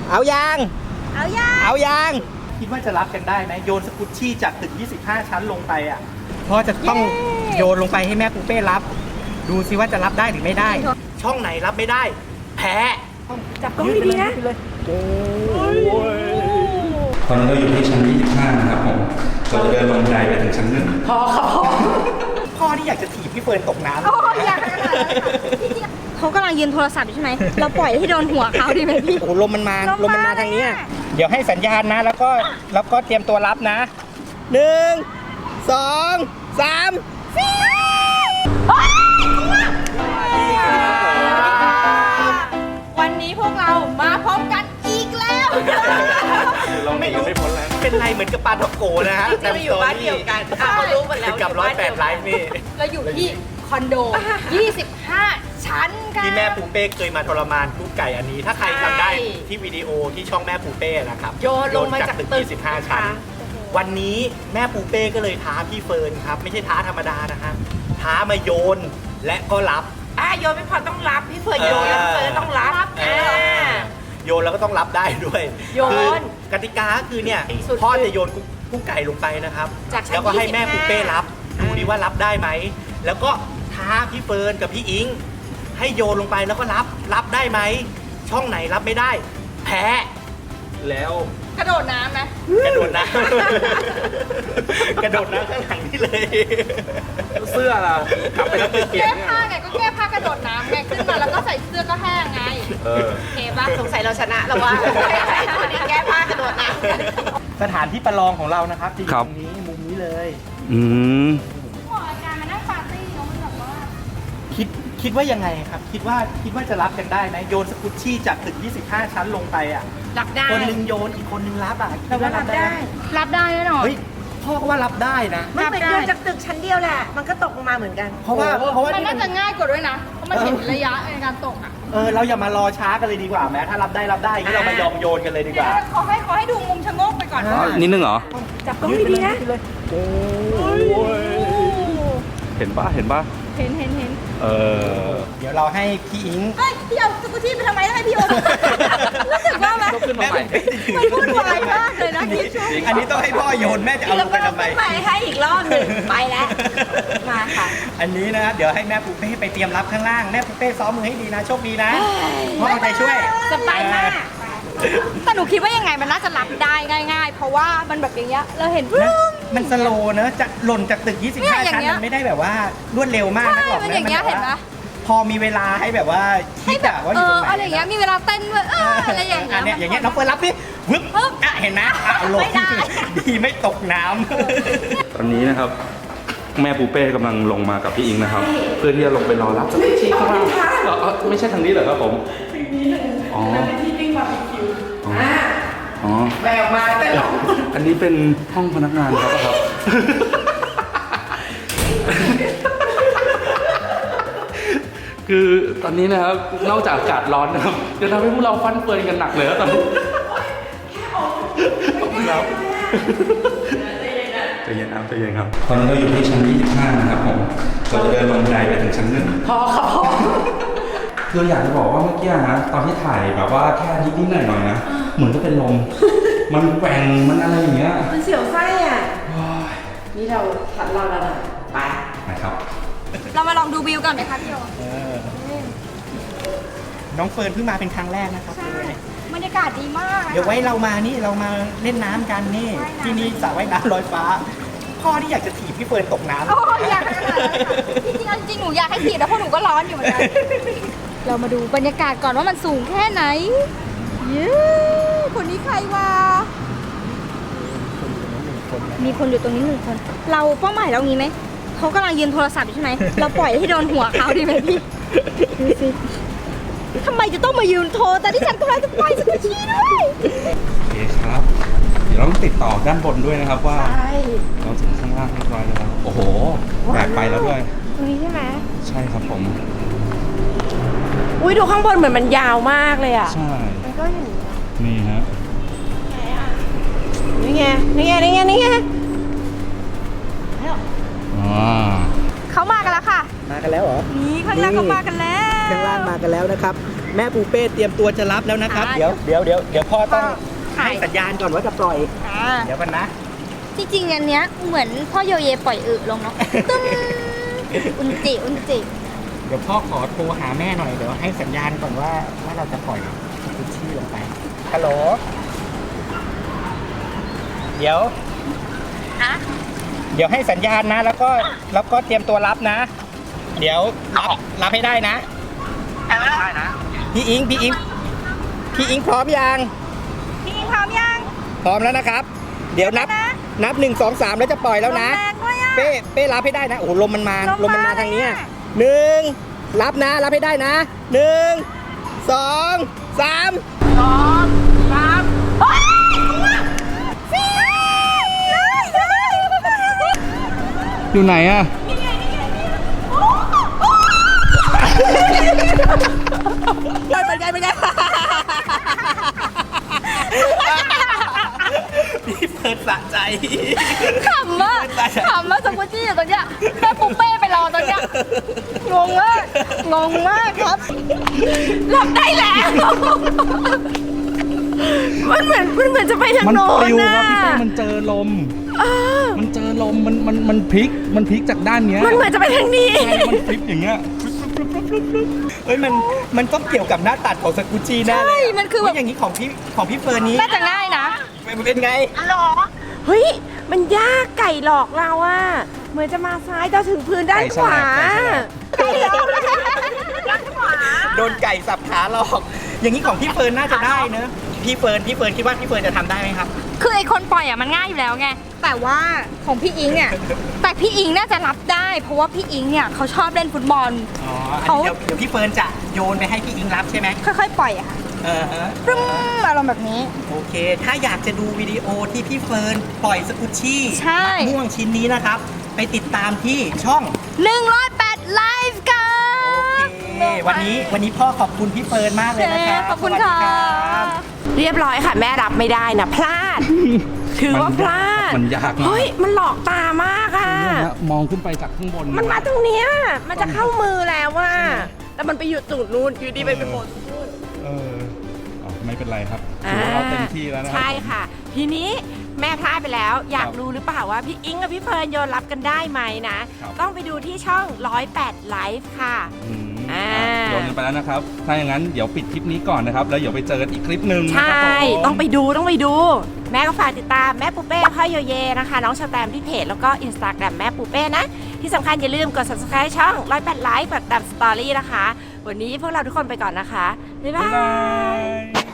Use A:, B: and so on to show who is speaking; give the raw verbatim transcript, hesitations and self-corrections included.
A: เอายาง
B: เอายาง
A: เอายางคิดว่าจะรับกันได้ไหมโยนสกุชชี่จากตึกยี่สิบห้าชั้นลงไปอ่ะพ่อจะต้องโยนลงไปให้แม่ปูเป้รับดูซิว่าจะรับได้หรือไม่ได้ช่องไหนรับไม่ได้แพ้
B: จับกล้องดีๆนะ
C: ตอนนี้เราอยู่ที่ชั้นยี่สิบห้านะครับผมเราจะเดินลงบันไดไปถึงชั้นหนึ่ง
A: พ่อครับพ่อที่อยากจะถีบพี่เฟิร์นตกน้ำ
B: โอ้อยากเขากำลังยืนโทรศัพท์อยู่ใช่ไหมเราปล่อยให้โดนหัวเขาดีไหมพี่
A: โอ้ลมมันมาลมมันมาทางนี้เดี๋ยวให้สัญญาณนะแล้วก็แล้วก็เตรียมตัวรับนะหนึ่งสองสามสี่
B: วันนี้พวกเรามาพบกันอีกแล้ว
C: เราไม่อยู่ไม่พ้นแล้ว
A: เป็นไรเหมือนกับปาทอกโกนะฮะ
B: เราอยู่บ้านเดียวกันเขารู้หมดแล้ว
A: กับร้อยแปดไลฟ์นี่
B: เราอยู่ที่คอนโดยี่สิบห้าชั้นกัน
A: ที่แม่ปูเป้เคยมาทรมานกุ๊กไก่อันนี้ถ้าใครจำได้ที่วิดีโอที่ช่องแม่ปูเป้นะครับ
B: โยนลงมาจากตึก
A: ยี่สิบห้าชั้นวันนี้แม่ปูเป้ก็เลยท้าพี่เฟิร์นครับไม่ใช่ท้าธรรมดานะฮะท้ามาโยนและก็รับ
D: อ่ะโยนไม่พอต้องรับพี่เฟิร์นโยนแล้วเฟิร์นต้องรับอ่า
A: โยนแล้วก็ต้องรับได้ด้วย
D: โยน
A: กติกาคือเนี่ยพ่อจะโยนกุ๊กไก่ลงไปนะครับแล้วก็ให้แม่ปูเป้รับดูดิว่ารับได้ไหมแล้วก็ท้าพี่เฟิร์นกับพี่อิงให้โยนลงไปแล้วก็รับรับได้ไหมช่องไหนรับไม่ได้แพ้แล้ว
B: กระโดดน้ำไหม
A: กระโดดน้ำกระโดดน้ำข้างหลังนี่เลยเสื้อล่ะกลับไปแล้วเปลี่ยน
B: แก้ผ้าไงก็แก้ผ้ากระโดดน้ำไงขึ้นมาแล้วก็ใส่เสื้อก็แห้งไง
A: เออ
D: เคป่ะสงสัยเราชนะแล้วว่าวันนี้แก้ผ้ากระโดดน้
A: ำสถานที่ประลองของเรานะครับที่ตรงนี้มุมนี้เลย
C: อืม
B: หมออาจารย์มานั่งปาร์ตี้เนาะมันแบบว่า
A: คิดคิดว่ายังไงครับคิดว่าคิดว่าจะรับกันได้ไหมโยนสกุชชี่จากตึกยี่สิบห้าชั้นลงไปอ่ะ
D: รับได้
A: คนนึงโยนอีกคนนึงรับอ่ะ
D: คิดว่ารับได้
B: รับได้แน่นอน
A: เฮ้ยพ่อก็ว่ารับได้นะ
D: มันเป็นโยนจากตึกชั้นเดียวแหละมันก็ตกลงมาเหมือนกัน
A: เพราะว่าเพราะว่า
B: มันน่าจะง่ายกว่าด้วยนะเพราะมันเห็นระยะในการตกอ่ะ
A: เออเราอย่ามารอช้ากันเลยดีกว่าแม้ถ้ารับได้รับได้งั้นเรามายอมโยนกันเลยดีกว่า
B: ขอให้ขอให้ดูมุมชะโงกไปก่อน
C: นิดนึงเหรอ
D: จับกล้องดีๆนะ
C: เห็นปะเห็นปะ
B: เห็นเห็นเห็น
C: เออ
A: เดี๋ยวเราให้พี่อิง
B: เฮ้ยพี่เอาสกุชชี่ไปทำไมให้พี่โอรู้สึกว่าไหมมันพูดไวมากเลยนะพี่ช่วย
A: อันนี้ต้องให้พ่อโยนแม่จะเอาลงไปทำไม
D: ไปให้อีกรอบหนึ่งไปแล้วมาค่ะ
A: อันนี้นะเดี๋ยวให้แม่ปูเป้ไปเตรียมรับข้างล่างแม่ปูเป้ซ้อมมือให้ดีนะโชคดีนะพ่อเอาใจช่วย
D: สบายมาก
B: แต่หนูคิดว่ายังไงมันน่าจะรับได้ง่ายๆเพราะว่ามันแบบอย่างเงี้ยเราเห็น
A: มันสโลว์เนอะจะหล่นจากตึกยี่สิบห้าชั้นมันไม่ได้แบบว่ารวดเร็วมากนักหรอกนะ
B: อย่างเงี้ยเห็นปะ
A: พอมีเวลาให้แบบว่าคิดอะว่าอยู่ตรงไหน
B: อะไรอย่างเงี้ยมีเวลาเต้นด้วยอะไรอย่างเงี้ย
A: เนี่ยอย่างเงี้ยน้องเฟิร์นรับพี่วึบอ่ะเห็นนะเอาลงดีไม่ตกน้ำ
C: ตอนนี้นะครับแม่ปูเป้กำลังลงมากับพี่อิงนะครับเพื่อที่จะลงไปรอรับสกุชชี่ข้างล่างไม่ใช่ทางนี้เหรอครับผมทางนี้เลยอ๋อที่ปิ้งบาร์บีคิวอ๋อ
D: แบกมาแต่หลง
C: อันนี้เป็นห้องพนักงานครับครับคือตอนนี้นะครับนอกจากอากาศร้อนนะครับจะทำให้พวกเราฟันเฟือนกันหนักเลยตอนนี้ครับใจเย็นครับใจเย็นครับตอนนี้เราอยู่ที่ชั้นยี่สิบห้านะครับผมเราจะเดินลงบันไดไปถึงชั้นหนึ่ง
D: พอครับ
C: คืออยากจะบอกว่าเมื่อกี้นะตอนที่ถ่ายแบบว่าแค่นิดๆหน่อยๆนะเหมือนจะเป็นลมมันแกว่งมันอะไรอย่างเงี้ย
D: มันเสียวไส้อ่ะนี่เราขัดเราแล้วนะไป
C: นะครับ
B: เรามาลองดูวิวกันไหมคะพี่โอ
A: น้องเฟิร์นเพิ่งมาเป็นครั้งแรกนะครับ
B: บรรยากาศดีมาก
A: เดี๋ยวไว้เรามานี่เรามาเล่นน้ำกันนี่ที่นี่สระว่ายน้ำลอยฟ้าพ่อที่อยากจะถีบพี่เฟิร์นตกน้ำ
B: โอ้อยากจริงๆจริงหนูอยากให้ถีบแต่พวกหนูก็ร้อนอยู่เหมือนกันเรามาดูบรรยากาศก่อนว่ามันสูงแค่ไหนเย้คนนี้ใครวะมีคนอยู่ตรงนี้หนึ่งคนเราเป้าหมายเรางี้ไหมเขากำลังยืนโทรศัพท์อยู่ใช่ไหมเราปล่อยให้โดนหัวเขาดีไหมพี่ดูสิทำไมจะต้องมายืนโทรแต่ที่ฉันกำลังจะไปสกุชชี่ด้วย
C: โอเคครับเดี๋ยวเราต้องติดต่อด้านบนด้วยนะครับว่าเราถึงข้างล่างเรียบร้อยแล้วโอ้โหแบกไปแล้วด้วย
B: ตรงนี้ใช่ไหม
C: ใช่ครับผม
D: อุ้ยดูข้างบนเหมือนมันยาวมากเลยอ่ะ
C: ใช่
D: มันก็อย่างนี้
C: นี่ฮะ
D: นี่ไงนี่ไงนี่ไงนี่ไง
B: เขามากันแล้วค่ะ
A: มากันแล้วเหรอ
B: นี่ข้างล่างเขามากันแล้ว
A: ข้างล่างมากันแล้วนะครับแม่ปูเป้เตรียมตัวจะรับแล้วนะครับ
B: อ่า
A: เดี๋ยวเดี๋ยวเดี๋ยวเดี๋ยวพ่อต้อง
B: ถ่าย
A: ให้สัญญาณก่อนว่าจะปล่อย
B: อ่า
A: เดี๋ยวกันนะ
B: จริงๆอันเนี้ยเหมือนพ่อโยเยปล่อยอึลงเนาะตึ้มอุนจิอุนจิ
A: เดี๋ยวพ่อขอโทรหาแม่หน่อยเดี๋ยวให้สัญญาณก่อนว่าว่าเราจะปล่อยกุชชี่ลงไปฮัลโหลเดี๋ยว
B: อะ
A: เดี๋ยวให้สัญญาณนะ แล้วก็แล้วก็เตรียมตัวรับนะ เดี๋ยวรับรับให้ได้นะได้นะพี่อิงพี่อิงพี่อิงพร้อมยัง
B: พี่อิงพร้อมยัง
A: พร้อมแล้วนะครับ เดี๋ยวนับ
B: นะ
A: นับหนึ่งสองสามแล้วจะปล่อยแล้วนะ
B: ลมแรงด้วยอะ
A: เป้เป้รับให้ได้นะโอ้โหลมมันมา
B: ลมมา
A: มันมาทางเนี้ย
B: เลยอะ
A: หนึ่งรับนะรับให้ได้นะหนึ่งสองสาม
B: เฮ้ยสี่เลยเลย
C: อยู่ไหนอะ
A: เป็นไงเป็นไงพี่เฟิร์สสะใจ
B: ขำมากขำมากสกุจี้อยู่ตรงเนี้ยแม่ปุ๊เป้ไปรอตรงเนี้ยงงมากงงมากครับรับได้แล้ว
D: มันเหมือนมันเหมือนจะไปทาง
C: มัน
D: โน้
C: ป
D: น
C: ลิว
D: นะครับ
C: พี่เป้มันเจอลมมันเจอลมมันมันมันพลิกมันพลิกจากด้านเนี้ย
D: มันเหมือนจะไปทางนี้
C: ใช่มันพลิกอย่างเงี้ย
A: เฮ้ยมันมันต้องเกี่ยวกับหน้าตัดของสกุจีแน่เลย
B: ใช่มันคือแบบ
A: เฮ้ยอย่างนี้ของพี่ของพี่เฟิร์นนี้
B: น่าจะง่ายนะ
A: มันเป็นไง
D: เฮ้ย มันยากไก่หลอกเราอะเหมือนจะมาซ้ายจะถึงพื้นด้านขวา
A: ไก่ฉลาดไก่ฉลาด โดนไก่สับขาหลอก อย่างนี้ของพี่เฟิร์นน่าจะได้เนอะพี่เฟิร์นพี่เฟิร์นคิดว่าพี่เฟิร์นจะทำได้ไหมครับ
B: คือไอคนปล่อยอ่ะมันง่ายอยู่แล้วไงแต่ว่าของพี่อิงเนี่ยแต่พี่อิงน่าจะรับได้ เพราะว่าพี่อิงเนี่ยเขาชอบเล่นฟุตบอล
A: อ๋อ
B: เขา
A: เดี๋ยวเดี๋ยวพี่เฟิร์นจะโยนไปให้พี่อิงรับใช่ไหม
B: ค่อยๆ ปล่อยอะค่ะ
A: เออเออ
B: ปรึ้มอารมณ์แบบนี้
A: โอเค ถ้าอยากจะดูวิดีโอที่พี่เฟิร์นปล่อยสกุชชี่
B: ใช่
A: มะม่วงชิ้นนี้นะครับ ไปติดตามที่ช่อง
B: หนึ่งร้อยแปดไลฟ์กั
A: โอน เค วันนี้วันนี้พ่อขอบคุณพี่เฟิร์นมากเลยนะครับ
B: ขอบคุณ
A: สวัสดี
B: ค่ะ
A: รับ
D: เรียบร้อยค่ะ แม่รับไม่ได้นะพลาด ถือว่าพลาด
C: มันยากมาก
D: เฮ้ย มันหลอกตามากอะ
C: เนี่ยฮะมองขึ้นไปจากข้างบน
D: มันมาตรงเนี้ย มันจะเข้ามือแล้วว่าแต่มันไปอยู่จุดนู้นอยู่ดีไปเป็นโผล่ตรงนู้น
C: เอออ๋อไม่เป็นไรครับถือว่าเราเต็มที่แล้วนะครับ
D: ใช่ค่ะ ทีนี้แม่พลาดไปแล้ว อยาก
C: ครับ
D: รู้หรือเปล่าว่าพี่อิงกับพี่เฟิร์นโยนรับกันได้ไหมนะ
C: ครับ
D: ต้องไปดูที่ช่องร้อยแปดไลฟ์ค่ะ
C: อืม
D: อ่า
C: โยนกันไปแล้วนะครับ ถ้าอย่างนั้นเดี๋ยวปิดคลิปนี้ก่อนนะครับ แล้วเดี๋ยวไปเจอกันอีกคลิปหนึ่ง
D: ใช่
C: นะครับผม
D: ต้องไปดูต้องไปดู แม่ก็ฝากติดตามแม่ปูเป้พ่อโยเยนะคะ น้องชาแตมที่เพจแล้วก็อินสตาแกรมแม่ปูเป้นะ ที่สำคัญอย่าลืมกด ซับสไครบ์ ช่องร้อยแปดไลฟ์แบบตามสตอรี่นะคะ วันนี้พวกเราทุกคนไปก่อนนะคะ บ๊ายบา
C: บ๊ายบาย ย